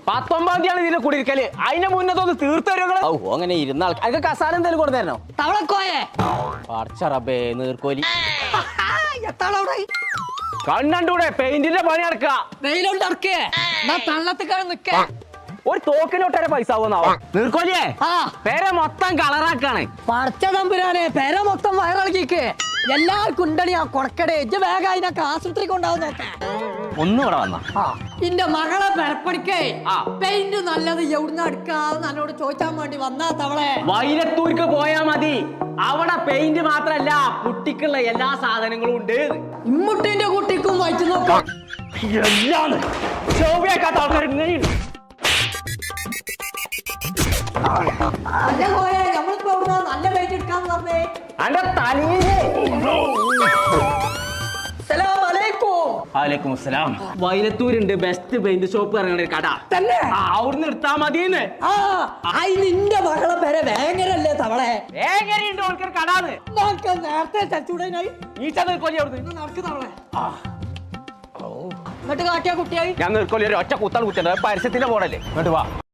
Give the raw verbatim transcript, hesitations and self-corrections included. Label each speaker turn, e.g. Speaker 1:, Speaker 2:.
Speaker 1: പത്തൊമ്പതാം തീയതി ഇതിൽ കുടിയിരിക്കല്. അതിന്റെ മുന്നത്തൊന്ന് തീർത്തു തരുങ്ങള്.
Speaker 2: ഓ അങ്ങനെ ഇരുന്ന ആൾക്ക് കസാല എന്തെങ്കിലും കൊടുത്തരണോ?
Speaker 3: തവളക്കോയെ
Speaker 2: പടച്ചറബേ നീർക്കോലി
Speaker 1: കണ്ണൂടെ പെയിന്റിന്റെ പണി നടക്കുക.
Speaker 3: വെയിലോണ്ട് ഇറക്കേ തള്ളത്തിക്കാണ് നിക്ക.
Speaker 1: ഒരു തോക്കിനൊട്ടേറെ പൈസ ആവുന്നാവോ നീർക്കോലിയേ?
Speaker 3: ആ
Speaker 1: പേരെ മൊത്തം കളറാക്കാണ്.
Speaker 3: പടച്ച തമ്പുരാനെ പെര മൊത്തം വയറിളക്കിക്ക്. എല്ലാവർക്കും ഉണ്ടണി ആ കൊടക്കടെ എജ് വേഗം അതിനൊക്കെ ആശുപത്രി കൊണ്ടാവും നോക്കാം.
Speaker 1: ഒന്നും ഇവിടെ വന്ന
Speaker 3: എന്റെ മകളെ പെരപ്പണിക്കേ
Speaker 1: ആ.
Speaker 3: പെയിന്റ് നല്ലത് എവിടുന്ന് എടുക്കാന്ന് എന്നോട് ചോദിച്ചാൻ വേണ്ടി വന്നാ തവളെ.
Speaker 1: വൈലത്തൂർക്ക് പോയാ മതി. അവിടെ പെയിന്റ് മാത്രല്ല കുട്ടിക്കുള്ള എല്ലാ സാധനങ്ങളും ഉണ്ട്.
Speaker 3: ഇമ്മുട്ടിന്റെ കുട്ടിക്കും വായിച്ചു നോക്കാം.
Speaker 1: എല്ലാം ശോഭിയാക്കാത്ത ആൾക്കാർ ഇങ്ങനെയുണ്ട്.
Speaker 3: അതെ പോയെ നമ്മളിപ്പോ എവിടുന്നാ നല്ല പെയിന്റ് എടുക്കാന്ന് പറഞ്ഞേ.
Speaker 1: അന്റെ തലയില് വലൈക്കും അസ്സലാം. വൈലത്തൂരുണ്ട് ബെസ്റ്റ് പെയിന്റ് ഷോപ്പ് ഇറങ്ങുന്ന ഒരു കട
Speaker 3: തന്നെ.
Speaker 1: ആ, അവിടുന്ന് എടുത്താ മതിന്ന്.
Speaker 3: ആ ആയി നിന്റെ മകളെ പേരെ വേങ്ങരല്ലേ തവളെ.
Speaker 1: വേങ്ങരയുണ്ട് ഓൾക്കൊരു കടാന്ന്.
Speaker 3: നോക്ക് നേരത്തെ ചച്ചൂടനായി
Speaker 1: ഈച്ച നീർക്കോലി അവിടുന്ന്
Speaker 3: നടക്ക് തവളെ. എന്നിട്ട് കാട്ടിയ കുട്ടിയായി
Speaker 1: ഞാൻ നീർക്കോലി ഒരു ഒറ്റ കുത്താണ് കുത്തിയത്. പരസ്യത്തിന്റെ പോടല്ലേ. ഇങ്ങോട്ട് വാ.